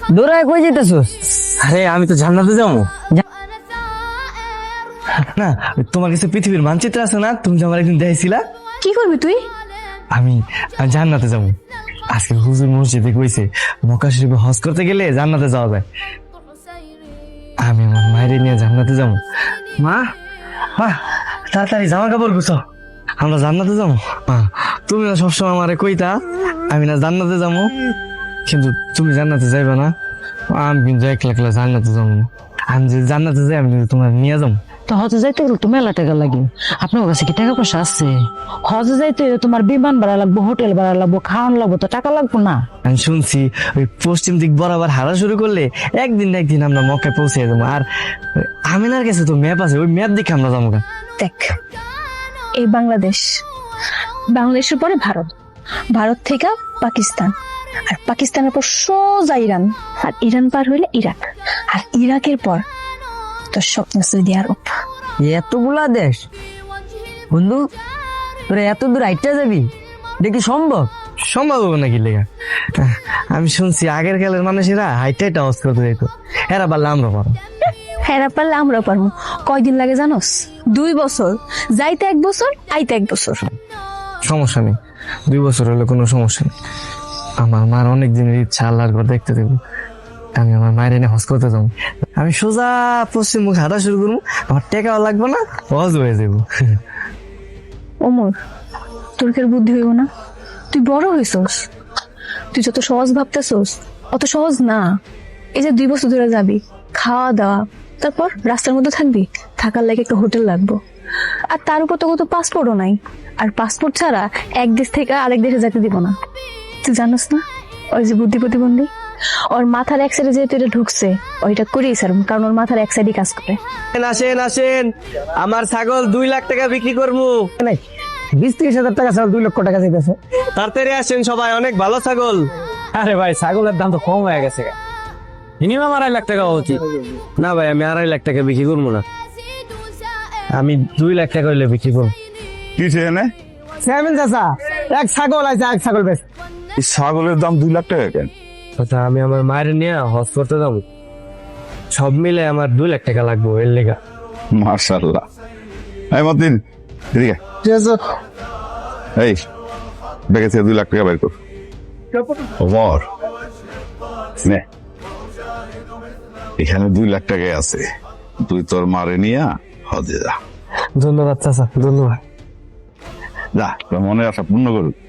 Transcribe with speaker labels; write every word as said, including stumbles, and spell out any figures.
Speaker 1: দৌড়ায় কই যেতেছস?
Speaker 2: আরে আমি তো জান্নাতে যাবো না। তোমার কাছে পৃথিবীর মানচিত্র আছে না? তুমি যে আমার একদিন দেখেছিলা।
Speaker 3: কি করবি তুই?
Speaker 2: আমি আমি জান্নাতে যাবো। আজকে হুজুর মসজিদে কইছে মক্কা শরীফে হজ করতে গেলে জান্নাতে যাওয়া যায়। আমি আমার মায়ের নিয়ে জান্নাতে যাবো। মা মা তাড়াতাড়ি জামা কাপড় গুছাও, আমরা জান্নাতে যাবো। মা তুমি না সবসময় আমারে কইতা আমি না জান্নাতে যাবো, কিন্তু তুমি জান্নাতে যাইবা না। আমি কিন্তু একলা একলা জান্নাতে যাবো না। আমি যদি জান্নাতে যাই আমি কিন্তু তোমার নিয়ে যাবো।
Speaker 1: তো হজে যাইতে গেলে তো মেলা টাকা লাগে। আপনার কাছে কি টাকা পয়সা আছে? হজে যাইতে হলে তোমার বিমান ভাড়া লাগবো, হোটেল ভাড়া লাগবো, খাওয়ান লাগবো, তো টাকা লাগবো না?
Speaker 2: আমি শুনছি ওই পশ্চিম দিক বরাবর হারা শুরু করলে একদিন না একদিন আমরা মক্কায় পৌঁছে যাবো। আর আমিনার কাছে তো ম্যাপ আছে, ওই ম্যাপ দেখে আমরা যাবো।
Speaker 3: দেখ, এই বাংলাদেশ, বাংলাদেশের পরে ভারত, ভারত থেকে পাকিস্তান, আর পাকিস্তানের পর সোজা ইরান, আর ইরান পার হইলে ইরাক, আর ইরাকের পর তোর স্বপ্ন সৌদি আরব।
Speaker 1: এতগুলা দেশ বন্ধু, তোরা এত দূর হাইটা যাবি? দেখি সম্ভব?
Speaker 2: সম্ভব হবে নাকি লেখা? আমি শুনছি আগের কালের মানুষেরা হাইট হাইট আওয়াজ করতে যেত, এরা পারলে আমরা পারো।
Speaker 3: হেরা পারলে আমরা পারবো। কয়দিন লাগে জানোস? দুই বছর, যাইতে এক বছর, আইতে এক বছর।
Speaker 2: সমস্যা নেই, দুই বছর হলে কোনো সমস্যা নেই। আমার মার অনেক দিনের ইচ্ছা, আল্লাহর ঘর দেখতে দেবো। আমি আমার মায়ের এনে হজ করতে যাবো। আমি সোজা পশ্চিম মুখ হাঁটা শুরু করবো, আমার টেকাও লাগবে না, হজ হয়ে যাবো।
Speaker 3: ওমর, তোর কি আর বুদ্ধি হইব না? তুই বড় হইছস, তুই যত সহজ ভাবতেছস অত সহজ না। এই যে দুই বছর ধরে যাবি, খাওয়া দাওয়া, তারপর রাস্তার মধ্যে থাকবি, থাকার লাগে একটা হোটেল লাগবো, আর তার উপর তো কত পাসপোর্টও নাই। আর পাসপোর্ট ছাড়া এক দেশ থেকে আরেক দেশে যেতে দিব না। তুই জানোস না ওই যে বুদ্ধি প্রতিবন্ধী, ওর মাথার এক সাইডে যেহেতু এটা ঢুকছে, ওইটা করেই স্যার, কারণ ওর মাথার এক সাইডই কাজ করে।
Speaker 2: আসেন আসেন, আমার ছাগল দুই লাখ টাকা বিক্রি করবো।
Speaker 1: নাই, বিশ ত্রিশ হাজার টাকা ছাড়া দুই লক্ষ টাকা চাইতেছে।
Speaker 2: তাড়াতাড়ি আসেন সবাই, অনেক ভালো ছাগল।
Speaker 4: আরে ভাই, ছাগলের দাম তো কম হয়ে গেছে, মিনিমাম আড়াই লাখ টাকা হওয়া উচিত।
Speaker 2: না ভাই, আমি আড়াই লাখ টাকা বিক্রি করবো না, আমি দুই লাখ টাকা হইলে বিক্রি করবো।
Speaker 5: কি চেনে?
Speaker 1: চেয়ারম্যান চাচা, এক ছাগল আছে, এক ছাগল বেশ।
Speaker 5: এই ছাগলের দাম দুই লাখ টাকা কেন?
Speaker 2: আচ্ছা, আমি আমার মায়ের নিয়ে হজ করতে যাবো, সব মিলে আমার দুই লাখ টাকা লাগবে এর লেগা।
Speaker 5: মার্শাল্লাহ। এই মতিন, এদিকে এই ব্যাগে থেকে দুই লাখ টাকা বের কর। ওমর, নে, এখানে দুই লাখ টাকাই আছে, তুই তোর মারে নিয়ে হজে যা।
Speaker 2: ধন্যবাদ চাচা, ধন্যবাদ।
Speaker 5: যা, তোর মনে আশা পূর্ণ করুক।